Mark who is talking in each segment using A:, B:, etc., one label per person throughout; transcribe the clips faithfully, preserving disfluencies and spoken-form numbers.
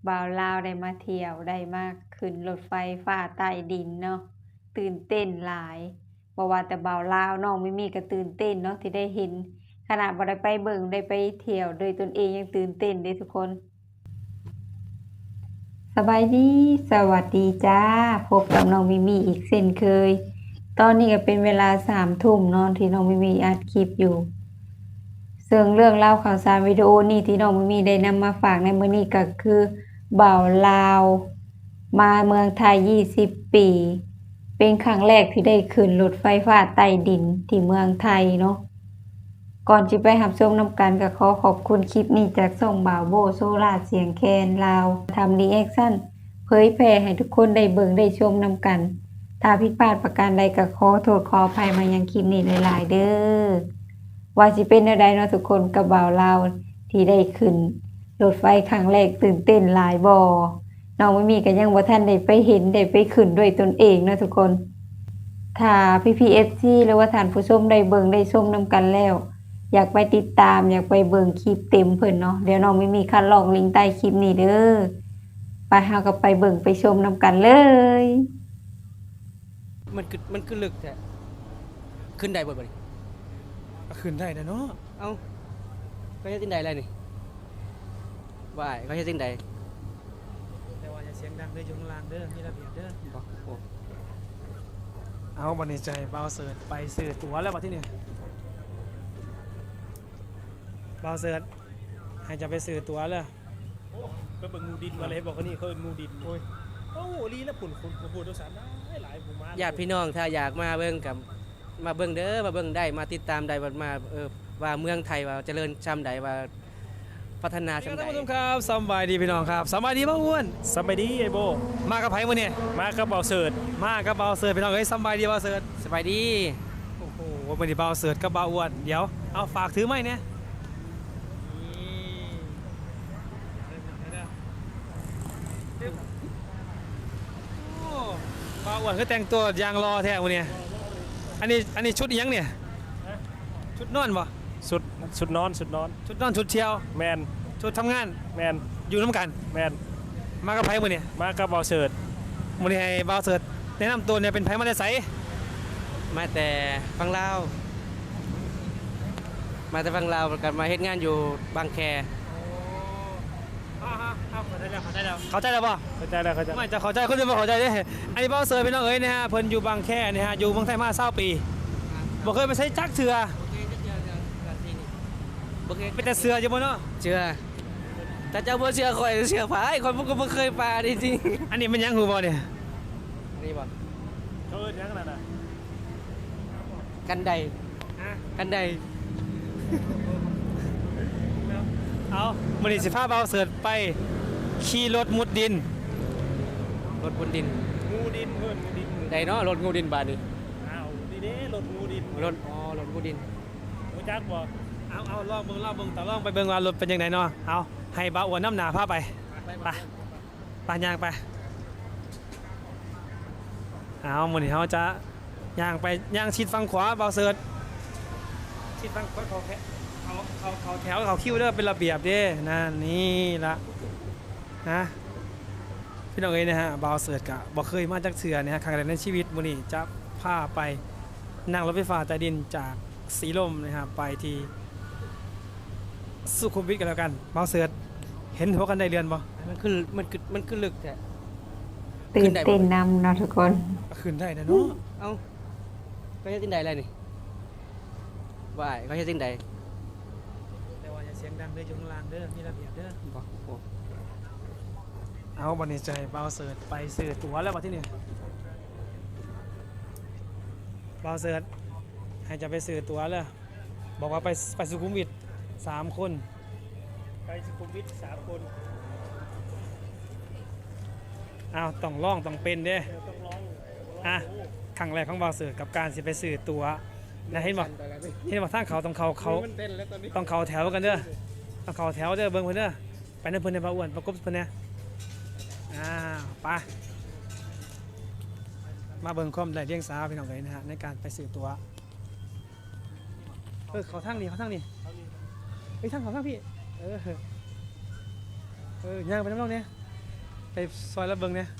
A: บ่าวลาวได้มาเที่ยวได้มาขึ้นรถไฟฟ้าใต้ดินเนาะตื่นเต้นหลายบ่ว่าแต่บ่าวลาวน้องมิมี่ก็ตื่นเต้นเนาะที่ได้เห็นขนาดบ่ได้ไปเบิ่งได้ไปเที่ยวด้วยตนเองยังตื่นเต้นเด้ทุกคนสบายดีสวัสดีจ้าพบกับน้องมิมี่อีกเช่นเคยตอนนี้ก็เป็นเวลาสามทุ่มเนาะที่น้องมิมี่อัดคลิปอยู่ ซึ่งเรื่องเล่าวข่าวสารวิดีโอนี้ที่น้องมิมีได้นำมาฝากในมื้อนี้ก็คือบ่าวลาวมาเมืองไทยยี่สิบปีเป็นครั้งแรกที่ได้ขึ้นรถไฟฟ้าใต้ดินที่เมืองไทยเนาะก่อนสิไปรับชมนำกันก็ขอขอบคุณคลิปนี้จากช่องบ่าวโบโซลาเสียงแคนลาวทำรีแอคชั่นเผยแพร่ให้ทุกคนได้เบิ่งได้ชมนำกันถ้าผิดพลาดประการใดก็ขอโทษขออภัยมายังคลิปนี้หลายๆเด้อ ว่าสิเป็นแนวใดเนาะทุกคนกับบ่าวลาวที่ได้ขึ้นรถไฟครั้งแรกตื่นเต้นหลายบ่น้องไม่มีก็ยังบ่ทันได้ไปเห็นได้ไปขึ้นด้วยตนเองเนาะทุกคนถ้าพี่ พี เอฟ ซี หรือว่าท่านผู้ชมได้เบิ่งได้ชมนำกันแล้ว อยากไปติดตามอยากไปเบิ่งคลิปเต็มเพิ่นเนาะเดี๋ยวน้องไม่มีคันลองลิงก์ใต้คลิปนี้เด้อไปเฮาก็ไปเบิ่งไปชมนำกันเลย
B: มันคือมันคือลึกแท้ขึ้นได้บ่บ่นี่
C: ขึ้นได้นะเนาะ
B: เอ้าเขาเฮ็ดจังได๋ล่ะนี่ว่ายเขาเฮ็ดจังได๋
C: แต่ว่าอย่าเสียงดังเด้ออยู่ข้างล่างเด้อมีระเบียบเด้อ
B: บ่โอ้
C: เอาบัดนี้ใจบ่าวเสิร์ชไปซื้อตั๋วแล้วบัดที่นี่บ่าวเสิร์ชให้จะไปซื้อตั๋วแล้ว
D: ไปเบิ่งงูดินมาเลยบอกว่านี่เขาเป็นงูดินโอ้ยโอ้โหลีแล้วปุ่นคนผู้โดยสารได้หลายหมู่มา
B: ญาติพี่น้องถ้าอยากมาเบิ่งกับมาเบิ่งเด้อมาเบิ่งได้มาติดตามได้ว่ามาเออว่าเมืองไทยว่าเจริญชำใดว่าพัฒนาชำใด
C: ท่านผู้ชมครับสบายดีพี่น้องครับสบายดีบ่อ้วน
D: สบายดีไอ้โบ
C: มากับไผมื้อนี้
D: มากับเบาเสิร์ต
C: มากับบ่าวเสิร์ชพี่น้องเอ้ยสบายดีบ่าวเสิร์ช
B: สบายดี
C: โอ้โหมื้อนี้บ่าวเสิร์ชกับบ่าวอ้วนเดี๋ยวเอาฝากถือไม้เนี่ยบ่าวอ้วนคือแต่งตัวยางรอแท้มื้อนี้อันนี้อันนี้ชุดอีหยังเนี่ยชุดนอนบ่
D: สุดสุดนอนสุดนอน
C: ชุดนอนชุดเที่ยว
D: แมน
C: ชุดทำงาน
D: แมน
C: อยู่น้ำกัน
D: แมน
C: มากับไผมื้อนี้
D: มากับเบาเสิร์ต
C: มื้อนี้ให้บ่าวเสิร์ชแนะนำตัวเนี่ยเป็นไผมาแต่ไส
B: มาแต่ฝั่งลาวมาแต่ฝั่งลาวกันมาเฮ็ดงานอยู่บางแค
C: เข้าใจแล้วเข้าใจแล้วเข้าใจแล้วบ่
D: เข้าใจแล้วเข้าใจ
C: ไม่จะเข้าใจคนอื่นบ่เข้าใจเด้อันนี้บ่าวเสิร์ชพี่น้องเอ้ยนะฮะเพิ่นอยู่บางแคนี่ฮะอยู่เมืองไทยมายี่สิบปีบ่เคยไปใช้จักเทื่อเป็นแต่เสืออยู่บ่เนาะ
B: เชื่อแต่เจ้าบ่เชื่อข่อยเชื่อผายข่อยบ่บ่เคยปลาจริง
C: ๆอันนี้มันยังหูบ่เนี่ย
B: นี่บ่
D: เขาเอิ้นยังนั่นน่ะ
B: กันไดกันได
C: เอามื้อนี้สิพาบ่าวเสิร์ชไปขี่รถมุดดิน
B: รถบนดิน
D: งูดินเพิ่นงูดิน
B: ไดเนาะรถงูดินบาดนี้
D: อ้าวนี่เด้รถงูดิน
B: รถอ๋อรถงูดิน
D: รู้จักบ่
C: เอาเอาลองเบิ่งลองเบิ่งต่อลองไปเบิ่งว่ารถเป็นจังไดเนาะเอาให้บ่าวอ้วนนำหน้าพาไปไปไปย่างไปเอามื้อนี้เฮาจะย่างไปย่างชิดฝั่งขวาบ่าวเสิร์ชชิดฝั่งขวาเขาแค่เขาเขาเขาแถวเขาคิวเด้อเป็นระเบียบเด้นั่นนี่ละนะพี่น้องเอ้ยนะฮะบ่าวเสิร์ชก็บ่เคยมาจักเทื่อนะฮะครั้งแรกในชีวิตมื้อนี้จะพาไปนั่งรถไฟฟ้าใต้ดินจากสีลมนะครับไปที่สุขุมวิทกันแล้วกันบ่าวเสิร์ชเห็นหัวกันได้เรือนบ่
B: มันคือมันคือมันคือลึกแท้
A: ตื่นเต้นนำเนาะทุกคน
C: ขึ้นได้นะเนาะ
B: เอ้าเขาเฮ็ดจังได๋ล่ะนี่ว่ายเขาเฮ็ดจังได๋
C: แต่ว่าอย่าเสียงดังเด้ออยู่ข้างล่างเด้อมีระเบียบเด้อ
B: บ่โอ้
C: เอาบัดนี้ใจบ่าวเสิร์ชไปซื้อตั๋วแล้วบัดที่นี่บ่าวเสิร์ชให้จะไปซื้อตั๋วแล้วบอกว่าไปไปสุขุมวิทสามคน
D: ไปสุขุมวิทสามคน
C: อ้าวต้องลองต้องเป็นเด้
D: ต้องลอง
C: อ่ะครั้งแรกของบ่าวเสิร์ชกับการสิไปซื้อตั๋วนะเห็นบ่เห็นบ่ทางเขาต้องเขาเขาต้องเขาแถวกันเด้อต้องเขาแถวเด้อเบิ่งเพิ่นเด้อไปนำเพิ่นในบ่าวอ้วนประกบเพิ่นแน่อ่าไปมาเบิ่งความได้เลี้ยงสาวพี่น้องเลยนะฮะในการไปซื้อตั๋วเออเขาทางนี้เขาทางนี้เฮ้ยทางเขาทางพี่เออเออย่างไปน้ำน้องเนี่ยไปซอยละเบิงเนี่ย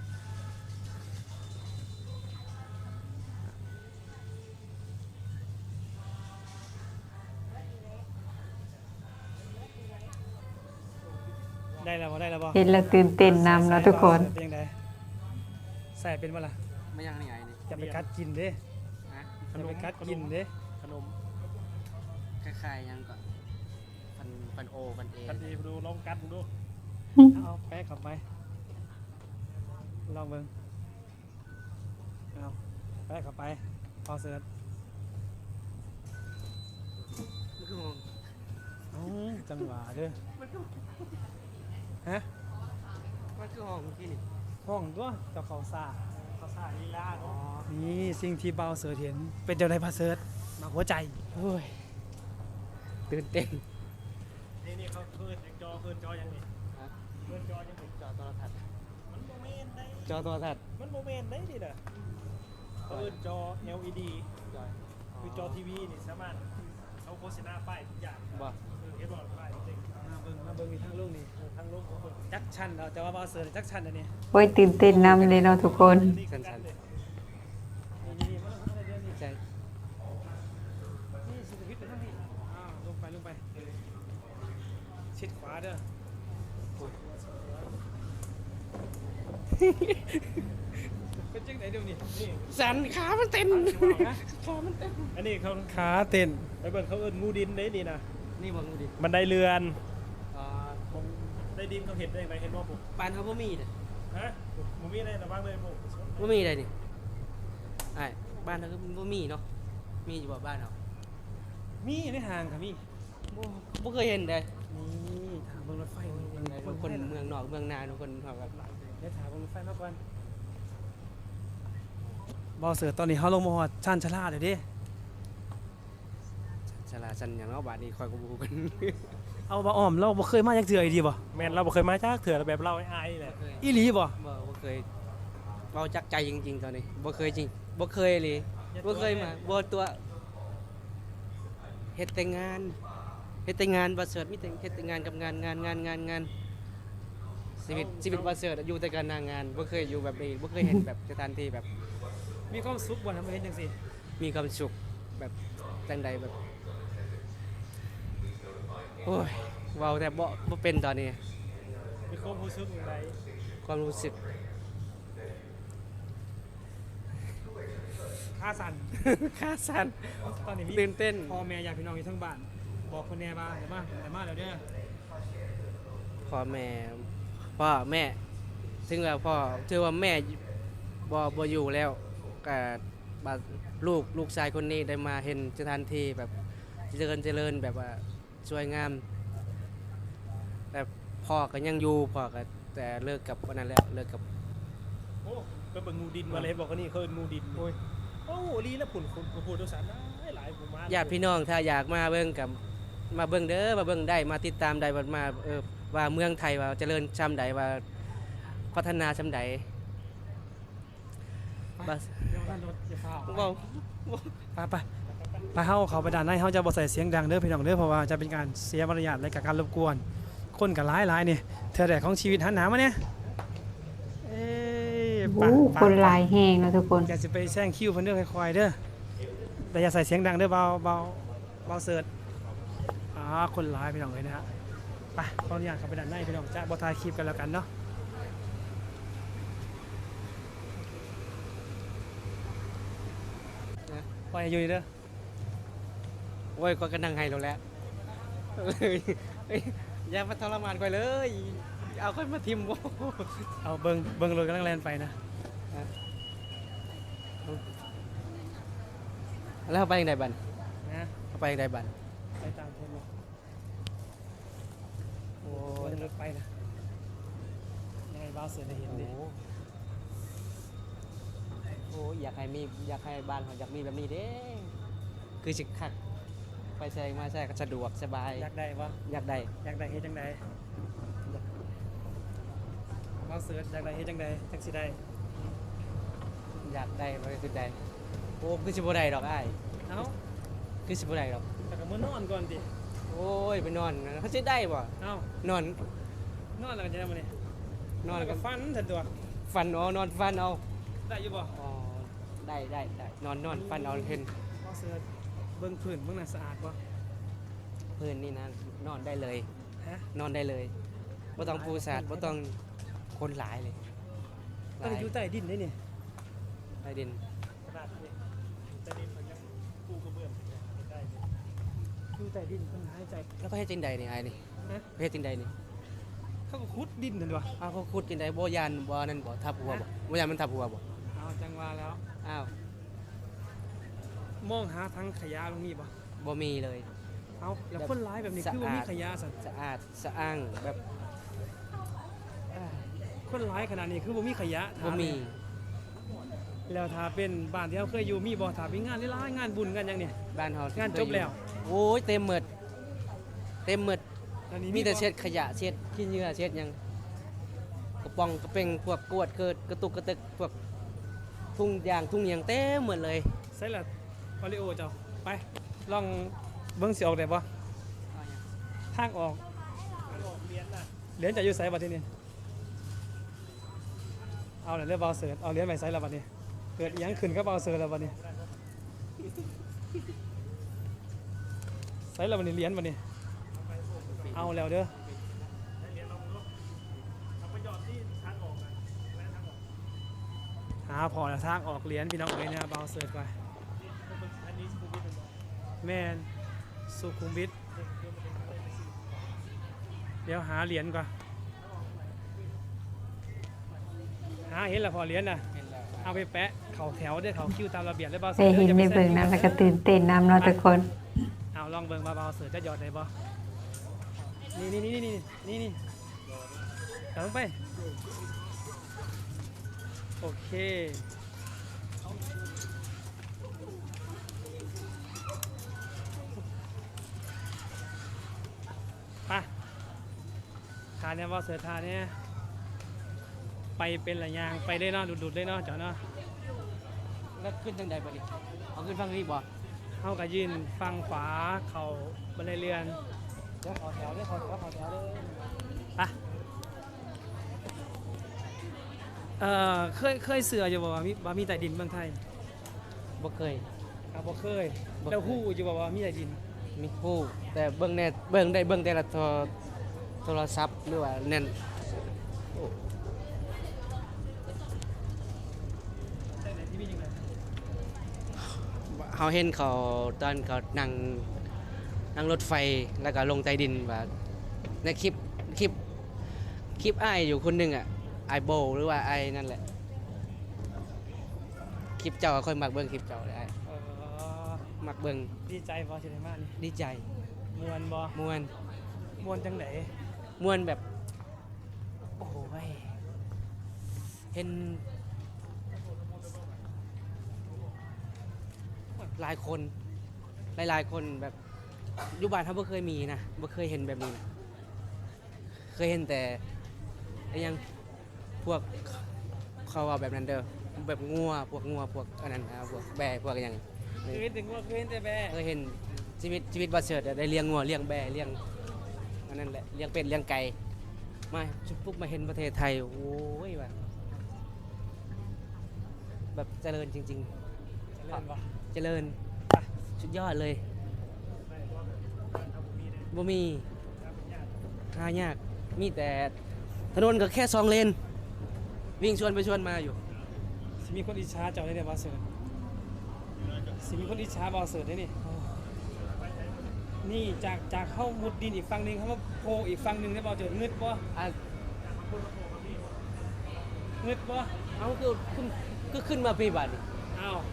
C: ได้แล้วบ่ได้แล้วบ่
A: เห็นแล้วตื่นเต้นนำแล้วทุกคน
C: เป็นยังไงใส่เป็นบ่ล่ะ
B: ไม่ยังนี่ไงนี่
C: จะไปกัดกินเด้
B: ฮะ
C: จะไปกัดกินเด้
D: ขนม
B: คล้ายๆยังก่อนฟันฟันโอฟันเอ
D: กันดีดูลองกัดดู
C: เอาแป๊ะเข้าไปลองเบิ่งเอาแป๊ะเข้าไปพอเสิร์ช
B: มันคือหง
C: เอ้าจังหวะเด้อฮะ
B: มันคือหงเมื่อกี้นี่
C: ห้องตัวเจ้าเขาซ่า
D: เขาสาลีลา
B: อ๋อ
D: เนาะ
C: นี่สิ่งที่เบาเสิร์ชเห็นเป็นเจ้าในพาเสิร์ชมาหัวใจ
B: โอ้ยตื่นเต้น
D: นี่นี่เขาเคินจอเคินจอยังนี่
B: ฮะ
D: เคินจอยังนี่
B: จอโทรทัศน์
D: มันโมเมนต์ได้
B: จอโทรทัศน์
D: มันโมเมนต์ได้ดิน่ะเคินจอ แอล อี ดี คือจอทีวีนี่สามารถเอาโฆษณาป้ายทุกอย่าง
B: บ่
D: คือเห็นบ่ป้ายจริง
C: มาเบิ่งมาเบิ่งมีทั้งลูกนี่
D: ๆทั้งโลกของคน
C: จักชันเราจะว่าเบาเสิร์ชจักชันอันนี้
A: โอ้ยตื่นเต้นนำเลยเนาะทุกคน
D: นี่คือกันเลย
C: นี่นี่มาลงมาเลยเดี๋ยวนี้
B: ใช่
C: นี่สุดวิทย์ไปทางนี้อ้าวลงไปลงไปชิดขวาเด้อเป็นจังไหนเดี๋ยวนี้นี่
B: สันขามันเต้น
C: ฮะ
B: ขามันเต้น
D: อันนี้เขา
C: ขาเต้น
D: ไปเบิ่งเขาเอิ้นงูดินได้นี่นะ
B: นี่บ่งูดิ
D: บันไดเรือน
B: อ่า
D: ได้ดินเขาเห็นได้ไหมเห็นว่าผม
B: ปานเขาบ่มีเด้อ
D: ฮะมูมีอะไรระวังเลยผม
B: บ่มีเลยนี่ไอ้บ้านเขาก็บ่มีเนาะมีอยู่บ่บ้านเรา
C: มีในห่างค่ะมี
B: บ่บ่เคยเห็นเลย
C: นี่ถามเบิ่งรถไฟนี่
B: บางคนเมืองนอกเมืองนาบางคนเขาแบบ
C: เดี๋ยวถามเบิ่งรถไฟมาก่อนบอเสือตอนนี้เขาลงมาฮอดชันชะลาเลยเด้
B: ฉลาดสันอย่างเนาะบาดนี้คอยก็บ่ฮู้กัน
C: เอาบ่อ้อมเราบ่เคยมาจักเทื่ออีดีบ่
D: แมนเราบ่เคยมาจากเถื่อแบบเราไอ้ไอ้แหละ
C: อีหลีบ่
B: บ่บ่เคยเว้าจักใจจริงๆตอนนี้บ่เคยจริงบ่เคยเลยบ่เคยมาบ่ตัวเฮ็ดแต่งานเฮ็ดแต่งานบ่เสิร์ชมีแต่เฮ็ดแต่งานกับงานงานงานงานงานชีวิตชีวิตบ่เสิร์ชอยู่แต่การงานบ่เคยอยู่แบบนี้บ่เคยเห็นแบบสถานที่แบบ
C: มีความสุขบ่ทำให้เห็นจังซี่
B: มีความสุขแบบจังใดแบบโอ้ยเว้าแต่บ่บ่เป็นตอนนี้
D: มีความรู้สึกอย่างไร
B: ความรู้สึก
C: ขาสั่น
B: ขาสั่น
C: ตอนนี้มี
B: ตื่นเต้น
C: พ่อแม่ญาติพี่น้องอยู่ทั้งบ้าน บอกคนแน่บ้านเดี๋ยวมาเดี๋ยวมาแล้วเด้อ
B: พ่อแม่พ่อแม่ถึงว่าพ่อถือว่าแม่บ่บ่อยู่แล้วก็บาดลูกลูกชายคนนี้ได้มาเห็นสถานที่แบบเจริญเจริญแบบว่าสวยงาม แต่พ่อก็ยังอยู่พ่อก็แต่เลิกกับวันนั้นแล้วเลิกกับ
D: โอ้ไปเบิ่งงูดินมาเลยบอกว่านี่เขาเอิ้นงูดินโอ้ยโอ้ลีแล้วผุ่นคนผู้โดยสารได้หลายผมมา
B: ญาติพี่น้องถ้าอยากมาเบิ่งกับมาเบิ่งเด้อมาเบิ่งได้มาติดตามได้ว่ามาเออว่าเมืองไทยว่าเจริญช่ำใดว่าพัฒนาช่ำใดบาส
C: เดี๋ยวท่านรถจะพาออก
B: เว้า
C: ไปไปไปเฮาเขาไปด้านในเฮาจะบ่ใส่เสียงดังเด้อพี่น้องเด้อเพราะว่าจะเป็นการเสียมารยาทและกับการรบกวน คนก็หลายๆนี่เธอแดกของชีวิตหันหนามาเนี่ยเอ้ย
A: โอ้คนหลายแหงเนาะทุกคน
C: อย่าสิไปแซงคิวเพิ่นเด้อค่อยๆเด้อแต่อย่าใส่เสียงดังเด้อเบาเบาเบาเสิร์ชอ่าคนหลายพี่น้องเลยนะฮะไปขออนุญาตเข้าไปด้านในพี่น้องจะบ่ถ่ายคลิปกันแล้วกันเนาะปล่อยให้อยู่นี่เด้อ
B: โอ้ยก็กระนังให้เราแล้วเลยเอ้ยอย่ามาทรมานก่อยเลย เอาค่อยมาทิมบ่
C: เอาเบิ่งเบิ่งรถกำลังแล่นไปนะ
B: แล้วเอาไปยังไงบัน
C: นะ
B: เอาไปยังไงบัน
C: ไปตามเพิ่นเนาะ
B: โอ้
C: โอ้
B: ย
C: ยรถไปนะยังไงเบาเสิร์ชได้เห็น
B: โอ้
C: ดิ
B: โหอยากให้มีอยากให้บ้านเขาอยากมีแบบนี้เด้คือสิคักไปแซงมาแซงก็สะดวกสบาย
C: อยากได้บ่
B: อยากได้
C: อยากได้เฮ็ดจังไดเบาเสิร์ชอยากได้เฮ็ดจังไดจังสิได้
B: อยากได้บ่ได้สุดได้โอ้คือสิบ่ได้ดอกอ้าย
C: เอ้า
B: คือสิบ่ได้ดอก
C: แต่ก็มื้อนอนก่อนติ
B: โอ้ยไปนอนเขาสิได้บ่
C: เอ้าน
B: อน
C: นอนแล้วก็จะได้มื้อนี้
B: นนอน
C: แล้ว
B: กั
C: ก็
B: บ
C: ฟันทันตัว
B: ฟันเอานอนฟันเอา
C: ได้อยู่บ่
B: อ๋อได้ได้ได้นอนนอนฟันเอาเห็น
C: บ่เสือเบิ่งพื้นเบิ่งน่ะสะอาดบ่
B: พื้นนี่นะนอนได้เลย
C: ฮะ
B: นอนได้เลยบ่ต้องปูสาดบ่ต้องคนหลายเลยห
C: ต้อง
B: ลาย
C: อยู่ใต้ดินได้นี่
B: ใต้ดิน
D: ขนาดนี้แต่นี่มันยังปูกระเบื้องได้อยู่
C: อยู่ใต้ดินเพิ่นหายใจ
B: แล้วก็เฮ็ดจังใดนี่ไอ้นี่
C: ฮะ
B: เฮ็ดจังใดนี่
C: เขาก็ขุดดินนั่นตัว
B: อ้าวเขาขุดจังใดบ่ยานบ่นั่นบ่ทับหัวบ่บ่ยานมันทับหัวบ่
C: เอาจังว่าแล้ว
B: อ้าว
C: มองหาทางขยะตรงนี้บ่
B: บ่มีเลย
C: เอาแล้วคนร้ายแบบนี้คือบ่มีขยะสั่น
B: สะอาดสะอ้างแบบอ่า
C: คนร้ายขนาดนี้คือบ่มีขยะ
B: บ่มี
C: แล้วถ้าเป็นบ้านที่เราเคยอยู่มีบ่ถ้ามีงานหลายๆงานบุญกันหยังนี่
B: บ้านเฮาง
C: านจบแล้ว
B: โอ้ยเต็มหมดเต็มหมด
C: อันนี้
B: มีแต่
C: บ่
B: เช็ดขยะเช็ดขี้เหงื่อเช็ดหยังกระป๋องกระเป่งพวกกวดเกิดกระตุกกระตึกพวกทุ่งยางทุ่งหยังเต็มหมดเลย
C: ใส่ละโอริโอเจ้าไปลองเบิ่งสิออกได้บ่ทางออก
D: มันออกเรียนน่ะ
C: เหรียญจะอยู่ไสบัดทีนี้เอาแล้วเรียกเบาเสิร์ชเอาเหรียญไปไสแล้วบัดนี้เกิดอิหยังขึ้นกับเบาเสิร์ชแล้วบัดนี้ไสแล้วบัดนี้เหรียญบัดนี้เอาแล้วเด้อ
D: ให้เรียนลองดูเอาไปหยอดที่ทางออกนะแม่ทางออก
C: หาพอแล้วทางออกเหรียญพี่น้องเอ้ยเนี่ยเบาเสิร์ชไป
D: อันนี้สกูบี้เป็นบอก
C: แม่นสุขุมวิท
D: เด็กเดินมาเป็นอะไรไปสิ
C: เดี๋ยวหาเหรียญก่อนหาเห็นแล้วพอเหรียญน่ะเอาไปแปะเข่าแถวด้วยเข่าคิวตามระเบียบเลยเบาเสิ
A: ได้
C: ร์ช
A: เห็น
C: อย่า
A: ใน
C: ไป
A: เบิ่ง
C: แซ
A: นั้น
C: ง
A: แล้วก็ตื่นเต้นนำเนาะทุกคน
C: เอาลองเบิ่งเบาๆเสิร์ชจะหยอดได้บ่นี่นี่นี่นี่นี่นี่เอาลงไปโอเคไปทานเนี่ยเบาเสิร์ชทานเนี่ยไปเป็นระยางไปได้เนาะดุดๆได้เนาะเจ้าเนาะ
B: แล้วขึ้นทางใดบ่นี่เอาขึ้นฝั่งนี้บ่
C: เขาก็ยืนฟังขวาเข่าบันไดเรือน
B: เดี๋ยวขอแถวเด้อขอแถวขอแถวเด้อ
C: ไปเอ่อเคยเคยเสืออยู่บ่ว่ามีว่ามีใต้ดินเมืองไทย
B: บ่เคย
C: ครับบ่เคย
B: บ่เคย
C: แล้วฮู้อยู่บ่ว่ามีใต้ดิน
B: มีผู้แต่เบิ่งแน่เบิ่งได้เบิ่งแต่ละโทรโทรศัพท์หรือว่าแน่น
C: ใต้ไหนที่มีจังได๋
B: เฮาเห็นเขาตอนเขานั่งนั่งรถไฟแล้วก็ลงใต้ดินว่าในคลิปคลิปคลิปอ้ายอยู่คนหนึงอ่ะไอโบหรือว่าไอนั่นแหละคลิปเจ้าก็ค่อยมักเบิ่งคลิปเจ้าได้
C: เอ่อ
B: มักเบิ่ง
C: ดีใจบ่สิได้มานี่
B: ดีใจ
C: ม่วนบ่
B: ม่วน
C: ม่วนจังได๋
B: ม่วนแบบโอ้โหยเห็นหลายคนหลายๆคนแบบอยู่บ้านเขาบ่เคยมีนะบ่เคยเห็นแบบนี้นะเคยเห็นแต่ไอ้หยังพวกเขาว่าแบบนั้นเด้อแบบงัวพวกงัวพวกอันนั้นนะพวกแบะพวกอหยัง
C: เคยเห็นแต่งัวเคยเห็นแต่แบะ
B: เคยเห็นชีวิตชีวิตบ่เสิร์ชได้เลี้ยงงัวเลี้ยงแบะเลี้ยงอันนั้นแหละเลี้ยงเป็ดเลี้ยงไก่มาจุดปุ๊บมาเห็นประเทศไทยโอ้ยแบบแบบเจริญจริง
C: จะเล่นบ่
B: ๆ เจริญสุดยอดเลยบ่มีหายากมีแต่ถนนก็แค่สองเลนวิ่งชวนไปชวนมาอยู่
C: สิมีคนอิจฉาเจ้าได้เนี่ยบ่เสิร์ชสิมีคนอิจฉาบ่เสิร์ชได้นี่นี่จากจากเข้ามุดดินอีกฝั่งหนึงเขามาโผล่อีกฝั่งหนึงได้บ่เจิดงึดบ่
B: อ่ะ
C: งึดบ่
B: เอาคือขึ้นก็ขึ้นมาปีบัดนี่
C: อ้าว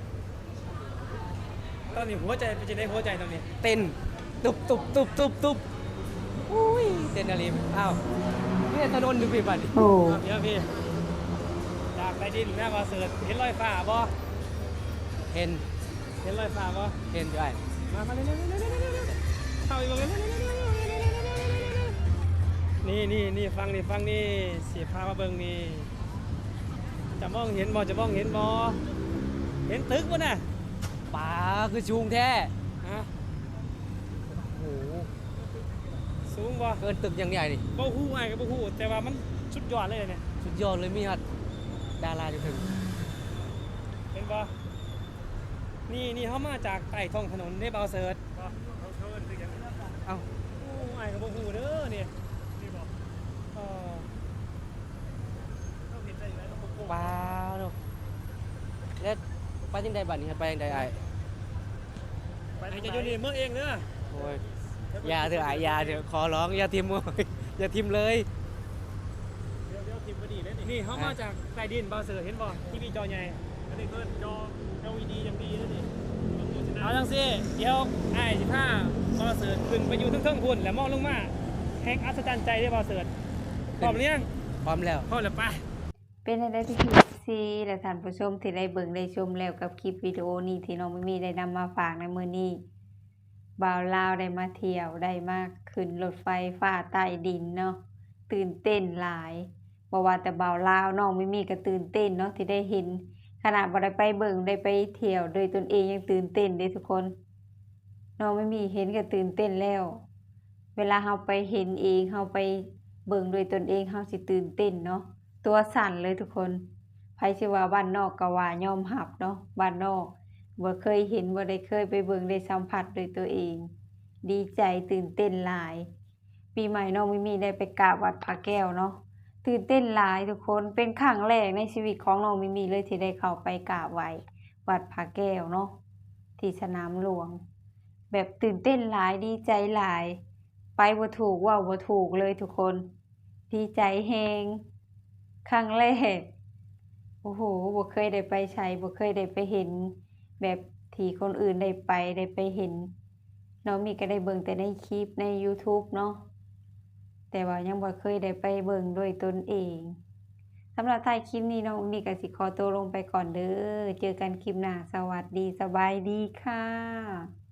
C: ตอนนี้หัวใจเป็นจะได้หัวใจตอนนี้
B: เต้นตุบตุบตุบตุบตุบอุ้ยเต้นอะไรอ้าวเนี่ยถนนอยู่ปีบัดนี่
A: โอ้
C: ครับเดี๋ยวพี่จากใต้ดินแม่มาเสิร์ชเห็นรอยฟ้าบ่
B: เห็น
C: เห็นรอยฟ้าบ่
B: เห็นด้วย
C: มามาเร็วๆๆๆๆๆเข้าอีกบ่เร็วๆนี่นี่นี่ฟังนี่ฟังนี่สิพามาเบิ่งนี่จะมองเห็นบ่จะมองเห็นบ่เห็นตึกบ่น่ะ
B: ป่าคือชูงแท้
C: ฮะ
B: โอ้โห
C: สูงบ่
B: เกินตึกอยังใหญ่นี่
C: บ่ฮู้อ้ายก็บ่ฮู้แต่ว่ามันสุดยอดเลยเนี่ย
B: สุดยอดเลยมีฮอดดาราอยู่ถึง
C: เป็นบ่นี่นี่เขามาจากใต้ท้องถนนได้เบาเสิร์ช
D: ก็เขาเชิญคืออย่างนี้
B: เอ้า
C: โอ้ไอ้ายกับบ่ฮู้เด้อเนี่ย
D: นี่บอก
C: เออ
D: ต้องเห็นใจอยู่แล้วต้องโกง
B: ว้าวเนาะแล้วไปจังไดบัดนี้ครับไปจังไดอ้าย
D: ไป
C: ไอ้
D: ทาง
C: จะ
D: ไห
C: อยู่นี่เมืองเองเด้อ
B: โอ้ยอย่าเถอะอ้ายอย่าเถอะขอร้องอย่าทิมโอ้ยอย่าทิมเลย
D: เดี๋ยวเดี๋ยวทีมก็ดีเลยนี่
C: นี่เขามาจากใต้ดินเบาเสิร์ชเห็นบ่ทีวีจอใหญ่
D: อันนี้เพิ่นจอ แอล อี ดี อย่างดีเลยนี่ต้องโฆษณา
C: เอาจังซี่เดี๋ยวไอ้ายสิพาเบาเสิร์ชขึ้นไปอยู่เทิงๆพุ่นแล้วมองลงมาแห่งอัศจรรย์ใจได้เบาเสิร์ชพร้อมหรือยัง
B: พร้อมแล้ว
C: พร้อมแล้วไป
A: เป็นอะไรพี่พีซีและท่านผู้ชมที่ได้เบิ่งได้ชมแล้วกับคลิปวิดีโอนี้ที่น้องมิมีได้นำมาฝากในมื้อนี้บ่าวลาวได้มาเที่ยวได้มาขึ้นรถไฟฟ้าใต้ดินเนาะตื่นเต้นหลายบ่ว่าแต่บ่าวลาวน้องมิมีก็ตื่นเต้นเนาะที่ได้เห็นขนาดบ่ได้ไปเบิ่งได้ไปเที่ยวโดยตนเองยังตื่นเต้นเด้ทุกคนน้องมิมีเห็นก็ตื่นเต้นแล้ว เวลาเราไปเห็นเองเราไปเบิ่งโดยตนเองเราสิตื่นเต้นเนาะตัวสั่นเลยทุกคนไผสิว่าบ้านนอกก็ว่ายอมรับเนาะบ้านนอกบ่เคยเห็นบ่ได้เคยไปเบิ่งได้สัมผัสโดยตัวเอง ดีใจตื่นเต้นหลาย ปีใหม่น้องมิมีได้ไปกราบวัดพระแก้วเนาะตื่นเต้นหลายทุกคนเป็นครั้งแรกในชีวิตของน้องมิมีเลยที่ได้เข้าไปกราบไหว้วัดพระแก้วเนาะที่สนามหลวง แบบตื่นเต้นหลายดีใจหลาย ไปบ่ถูกเว้าบ่ถูกเลยทุกคน ดีใจแฮงครั้งแรกโอ้โหบ่เคยได้ไปไสบ่เคยได้ไปเห็น แบบที่คนอื่นได้ไปได้ไปเห็นน้องมีก็ได้เบิ่งแต่ในคลิปใน YouTube เนาะแต่ว่ายังบ่เคยได้ไปเบิ่งด้วยตนเองสำหรับท้ายคลิปนี้น้องมีก็สิขอตัวลงไปก่อนเด้อเจอกันคลิปหน้าสวัสดีสบายดีค่ะ